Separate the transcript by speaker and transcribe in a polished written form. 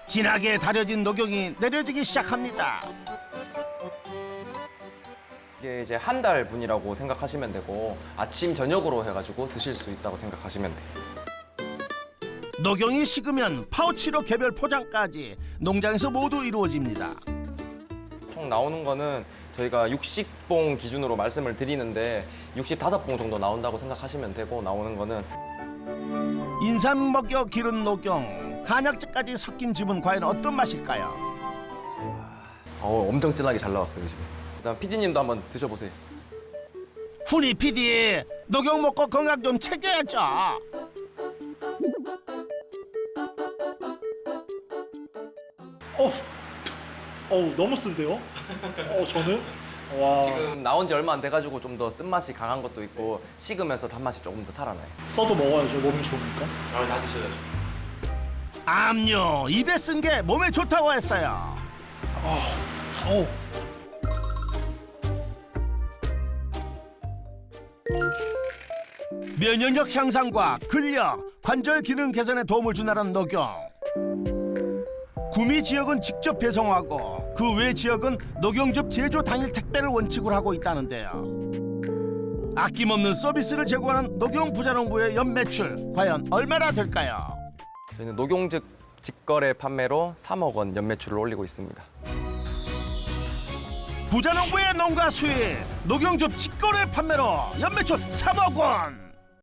Speaker 1: 진하게 다려진 녹용이 내려지기 시작합니다.
Speaker 2: 이게 이제 한 달 분이라고 생각하시면 되고 아침 저녁으로 해가지고 드실 수 있다고 생각하시면 돼요.
Speaker 1: 녹용이 식으면 파우치로 개별 포장까지 농장에서 모두 이루어집니다.
Speaker 2: 총 나오는 거는 저희가 60봉 기준으로 말씀을 드리는데 65봉 정도 나온다고 생각하시면 되고 나오는 거는
Speaker 1: 인삼 먹여 기른 녹용, 한약재까지 섞인 즙은 과연 어떤 맛일까요?
Speaker 2: 엄청 진하게 잘 나왔어요 지금. 일단 PD님도 한번 드셔보세요.
Speaker 1: 훈이 PD, 녹용 먹고 건강 좀 챙겨야죠.
Speaker 3: 너무 쓴데요? 저는? 와,
Speaker 2: 지금 나온 지 얼마 안 돼가지고 좀 더 쓴맛이 강한 것도 있고 식으면서 단맛이 조금 더 살아나요.
Speaker 3: 써도 먹어야죠. 몸이 좋으니까.
Speaker 2: 다 드셔야죠.
Speaker 1: 암요, 입에 쓴 게 몸에 좋다고 했어요. 면역력 향상과 근력, 관절 기능 개선에 도움을 준다는 녹용. 구미 지역은 직접 배송하고 그 외 지역은 녹용즙 제조 당일 택배를 원칙으로 하고 있다는데요. 아낌없는 서비스를 제공하는 녹용 부자농부의 연매출 과연 얼마나 될까요?
Speaker 2: 저희는 녹용즙 직거래 판매로 3억 원 연매출을 올리고 있습니다.
Speaker 1: 부자농부의 농가 수입, 녹용즙 직거래 판매로 연매출 3억 원.